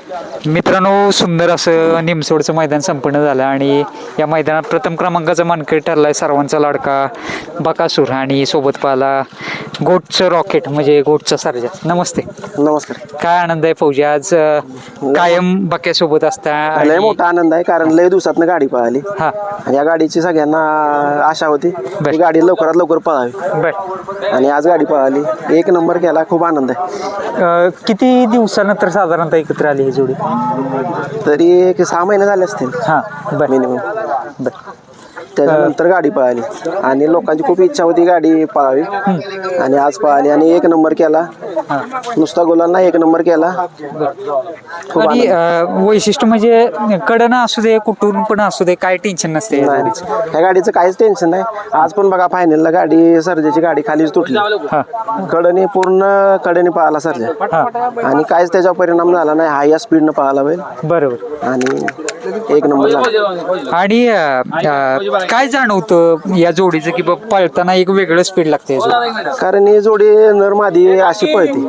मित्रांनो, सुंदर असं निमसोडचं मैदान संपन्न झालं आणि या मैदानात प्रथम क्रमांकाचा मानकरी ठरलाय सर्वांचा लाडका बकासूर आणि सोबत पाहला गोटचं रॉकेट म्हणजे गोटचा सर्जा. नमस्ते. नमस्कार. काय आनंद आहे फौजी, आज कायम बक्यासोबत असता? लय मोठा आनंद आहे, कारण लय दिवसातनं गाडी पळाली. हा, आणि या गाडीची सगळ्यांना आशा होती की गाडी लवकरात लवकर पळावी, बर. आणि आज गाडी पळाली, एक नंबर केला. खूप आनंद आहे. किती दिवसानंतर साधारणतः एकत्र आली ही जोडी? तरी एक 6 महिने झाले असतील. हा, बर. मिनिमम. बर. त्याच्यानंतर गाडी पळाली आणि लोकांची खूप इच्छा होती गाडी पळावी, आणि आज पळाली आणि एक नंबर केला. नुसता गोलांना एक नंबर केला. खूप आणि आनंद. वैशिष्ट्य म्हणजे कडनं असू दे, कुठून पण असू दे, काय टेन्शन नसते या जोडीचं. ह्या गाडीचं काहीच टेन्शन नाही. आज पण बघा फायनलला गाडी सर्जाची गाडी खालीच तुटली. कडनी पूर्ण कडनी पळाला सर्जा, आणि काहीच त्याचा परिणाम झाला नाही. हाय या स्पीडनं पळाला बैल, बरोबर, आणि एक नंबर झाला. आणि काय जाणवतं या जोडीचं की बाबा पळताना एक वेगळं स्पीड लागते या जोडीला? कारण ही जोडी नरमादी अशी पळते.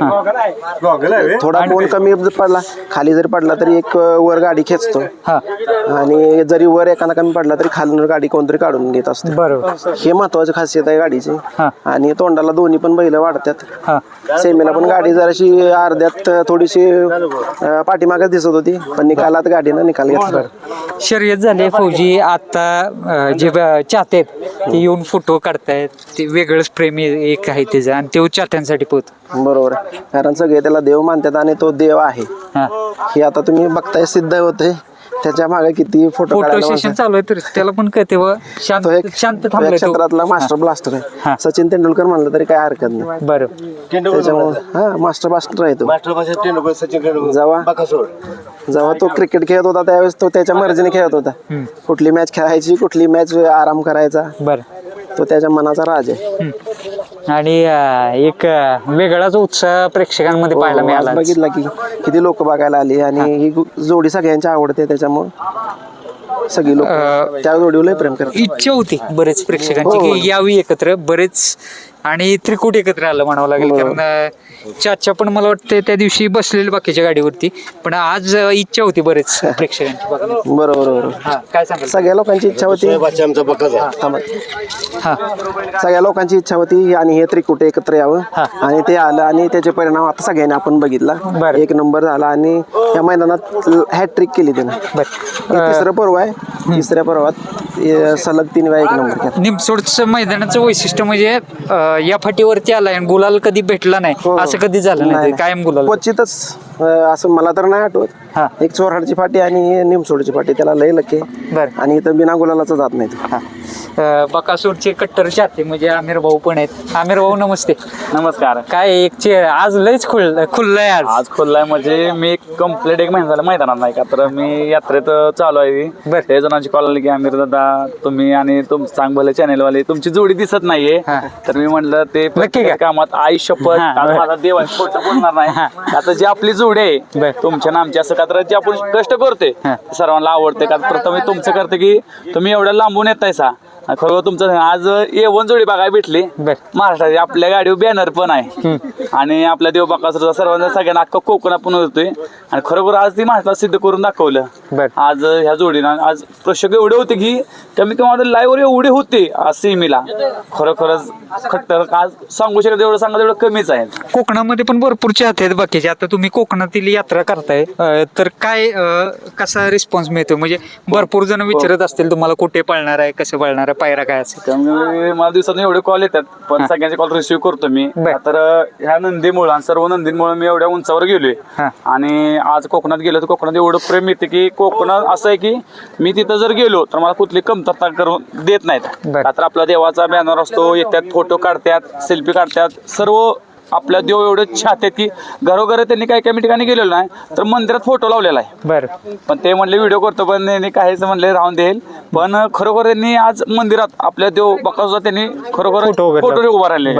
थोडा कोण कमी पडला, खाली जरी पडला तरी एक वर गाडी खेचतो, आणि जरी वर एखादा कमी पडला तरी खालून गाडी कोणतरी काढून घेत असतो. बरोबर, हे महत्वाची खासियत आहे गाडीची. आणि तोंडाला दोन्ही पण बैल वाढतात. सेमीला पण गाडी जराशी अर्ध्यात थोडीशी पाठीमागच दिसत होती, पण निकालात गाडीनं निकाल घेतला. शर्यत झाली फौजी. आता जे चाहते आहेत ते येऊन फोटो काढतायत, ते वेगळंच प्रेम एक आहे त्याचं, आणि तो चाहत्यांसाठी पोहतो. बरोबर आहे, कारण सगळे त्याला देव मानतात आणि तो देव आहे हे आता तुम्ही बघताय, सिद्ध होते. त्याच्या मागे किती फोटो सेशन चालू आहे, तर त्याला पण कळते शांत शांत थांबलाय तो. क्षेत्रातला मास्टर ब्लास्टर आहे. सचिन तेंडुलकर म्हणलं तरी काय हरकत नाही. बरोबर, त्याच्यामुळे मास्टर ब्लास्टर आहे तो. जेव्हा तो क्रिकेट खेळत होता त्यावेळेस तो त्याच्या मर्जीने खेळत होता. कुठली मॅच खेळायची, कुठली मॅच आराम करायचा, तो त्याच्या मनाचा राज आहे. आणि एक वेगळाच उत्साह प्रेक्षकांमध्ये पाहायला मिळाला. बघितला की किती लोक बघायला आली, आणि ही जोडी सगळ्यांची आवडते, त्याच्यामुळे सगळी लोक त्या जोडीवर लय प्रेम करतात. इच्छा होती बरेच प्रेक्षकांची की यावी एकत्र, बरेच, आणि त्रिकूट एकत्र आलं म्हणावं लागेल. कारण चाचा पण मला वाटतं त्या दिवशी बसलेले बाकीच्या गाडीवरती, पण आज इच्छा होती बरेच प्रेक्षकांची. बरोबर. काय सांगाल? सगळ्या लोकांची इच्छा होती. सगळ्या लोकांची इच्छा होती आणि हे त्रिकुट एकत्र यावं, आणि ते आलं, आणि त्याचे परिणाम आता सगळ्यांनी आपण बघितला. एक नंबर झाला, आणि या मैदानात हॅट्रिक केली त्यानं. तिसरं पर्व आहे, तिसऱ्या पर्वात सलग 3 वेळा एक नंबर केला. निमसोडचं मैदानाचं वैशिष्ट्य म्हणजे या फाटीवरती आलाय आणि गुलाल कधी भेटला नाही, असं कधी झालं नाही, कायम गुलाल. क्वचितच असं मला तर नाही आठवत. एक चोरहाडची फाटी आणि निमसोडची फाटी, त्याला लय लके, आणि इथं बिना गुलालाचं जात नाही. बकासूरचे कट्टर चाहते म्हणजे आमिर भाऊ पण आहेत. आमिर भाऊ नमस्ते. नमस्कार. काय आज लयच खुललंय. आज खुललाय म्हणजे मी कंप्लीट 1 महिना झाला मैदानात नाही का, तर मी यात्रेत चालू आहे. ते जणांची कॉल आली की आमिर दादा तुम्ही आणि तुमचं चांग भले चॅनेलवाले तुमची जोडी दिसत नाहीये, तर मी म्हणलं ते कामात आई शपथ माझा देवांची खोटं बोलणार नाही. आता जी आपली जोडी आहे तुमच्या नामची, असं का तर जे आपण कष्ट करतोय सर्वांना आवडते का. प्रथम तुमचं करते की तुम्ही एवढ्या लांबून येतायसा, खरोखर तुमचं आज A1 जोडी बघायला भेटली महाराष्ट्राची. आपल्या गाडीवर बॅनर पण आहे, आणि आपल्या देव बकासूरचा सर्वांना सगळ्यांना अख्खा कोकणात पण होतोय, आणि खरोखर आज ती महाराष्ट्रात सिद्ध करून दाखवलं. आज ह्या जोडीनं आज प्रेक्षक एवढे होते की कमी कमी लाईव्हवर एवढे होते आज सेमीला. खरोखरच खट्टर आज सांगू शकत एवढं सांगा तेवढं कमीच आहे. कोकणामध्ये पण भरपूर चाहते आहेत बाकीचे. आता तुम्ही कोकणातील यात्रा करताय, तर काय कसा रिस्पॉन्स मिळतो? म्हणजे भरपूर जण विचारत असतील तुम्हाला कुठे पळणार आहे, कसं पळणार आहे, पायरा काय असेल. मला दिवसात एवढे कॉल येतात, पण सगळ्यांचे कॉल रिसिव्ह करतो मी. तर ह्या नंदीमुळे आणि सर्व नंदीमुळे मी एवढ्या उंचावर गेलोय, आणि आज कोकणात गेलो तर कोकणात एवढं प्रेम येते की कोकणात असं आहे की मी तिथं जर गेलो तर मला कुठली कमतरता करून देत नाहीत. तर आपला देवाचा बॅनर असतो, येतात फोटो काढतात, सेल्फी काढतात. सर्व आपल्या देव एवढे छात की घरोघर त्यांनी काही काही ठिकाणी गेलेलो नाही, तर मंदिरात फोटो लावलेला आहे. पण ते म्हणले व्हिडिओ करतो, पण त्यांनी काहीच म्हणले राहून देईल. पण खरोखर त्यांनी आज मंदिरात आपल्या देव बकासूरचा त्यांनी खरोखर फोटो उभा राहिले.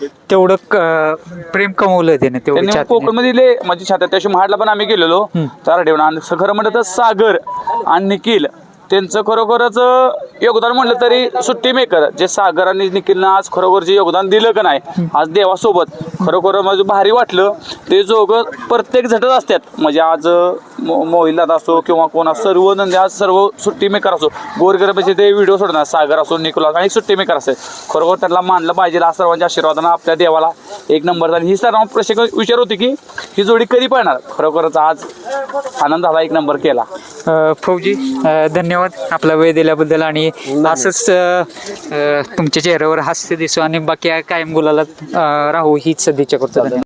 तेवढं प्रेम कमवलं त्याने कोकणमध्ये माझी छात्या. त्याशी महाडला पण आम्ही गेलेलो तारडेवून, आणि खरं म्हणलं तर सागर आणि निखिल त्यांचं खरोखरच योगदान म्हटलं तरी सुट्टी मेकर जे सागर आणि निखिलनं आज खरोखर जे योगदान दिलं का नाही आज देवासोबत खरोखर माझं भारी वाटलं. ते जोगं प्रत्येक झटत असतात म्हणजे आज मोहिल दादा असो किंवा कोण असो सर्व नंदी आज सर्व सुट्टी मेकर असो गोरगरिबाचे ते व्हिडिओ सोडणार सागर असो निकोलास आणि सुट्टी मेकर असतात. खरोखर त्यांना मानलं पाहिजे. आज सर्वांच्या आशीर्वादानं आपल्या देवाला एक नंबर झाली. ही सर्व प्रश्न विचार होती की ही जोडी कधी पळणार. खरोखरच आज आनंद झाला, एक नंबर केला. फौजी धन्यवाद आपला वेळ दिल्याबद्दल आणि असंच तुमच्या चेहऱ्यावर हास्य दिसो आणि बाकी कायम गुलाला राहू हीच सदिच्छा करतो.